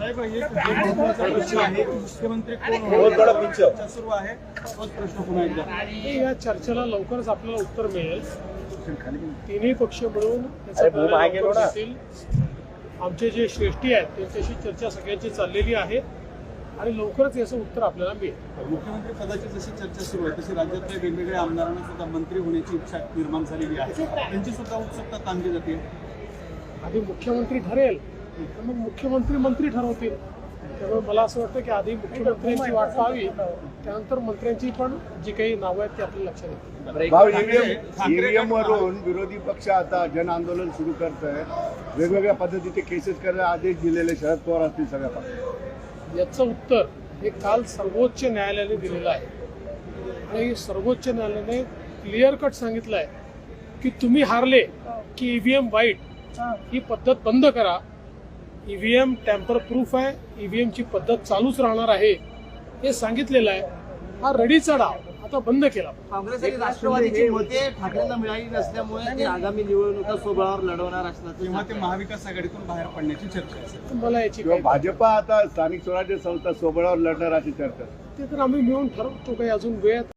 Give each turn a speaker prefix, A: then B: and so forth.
A: साहेब हे महत्त्वाचा प्रश्न आहे. मुख्यमंत्री कोण चर्चा सुरू आहे. तोच प्रश्न पुन्हा एकदा.
B: या चर्चेला लवकरच आपल्याला उत्तर मिळेल. तिन्ही पक्ष मिळून त्याचा निर्णय लवकर घेतील. आमचे जे श्रेष्ठी आहेत त्यांच्याशी चर्चा सगळ्यांची चाललेली आहे आणि लवकरच याचं उत्तर आपल्याला मिळेल.
A: मुख्यमंत्री पदाची जशी चर्चा सुरू आहे तशी राज्यातल्या वेगवेगळ्या आमदारांना सुद्धा मंत्री होण्याची इच्छा निर्माण झालेली आहे. त्यांची सुद्धा उत्सुकता ताणली जाते.
B: आधी मुख्यमंत्री ठरेल तर मग मुख्यमंत्री मंत्री ठरवतील. त्यामुळे मला असं वाटतं की आधी मुख्यमंत्र्यांची वाट पाहावी, त्यानंतर मंत्र्यांची पण जी काही नावं आहेत ती आपल्या लक्षात येतील.
C: ईव्हीएम वरून विरोधी पक्ष आता जन आंदोलन सुरू करत आहे. वेगवेगळ्या पद्धतीचे केसेस करायला आदेश दिलेले शरद पवार असतील सगळ्या पक्षांना.
B: याचं उत्तर हे काल सर्वोच्च न्यायालयाने दिलेलं आहे आणि सर्वोच्च न्यायालयाने क्लिअर कट सांगितलं आहे की तुम्ही हारले की ईव्हीएम वाईट ही पद्धत बंद करा. ईव्हीएम टॅम्पर प्रूफ आहे, ईव्हीएमची पद्धत चालूच राहणार आहे हे सांगितलेलं आहे. हा रडीचा डाव आता बंद केला.
D: काँग्रेस आणि राष्ट्रवादीची मते ठाकरेंना मिळाली नसल्यामुळे ते आगामी निवडणुका स्वबळावर लढवणार असल्याचं
A: तेव्हा ते महाविकास आघाडीतून बाहेर पडण्याची चर्चा असेल.
B: मला याची
C: किंवा
B: काही
C: भाजपा आता स्थानिक स्वराज्य संस्था सोबळावर लढणार अशी चर्चा.
B: ते तर आम्ही मिळून ठरवतो. काही अजून वेळ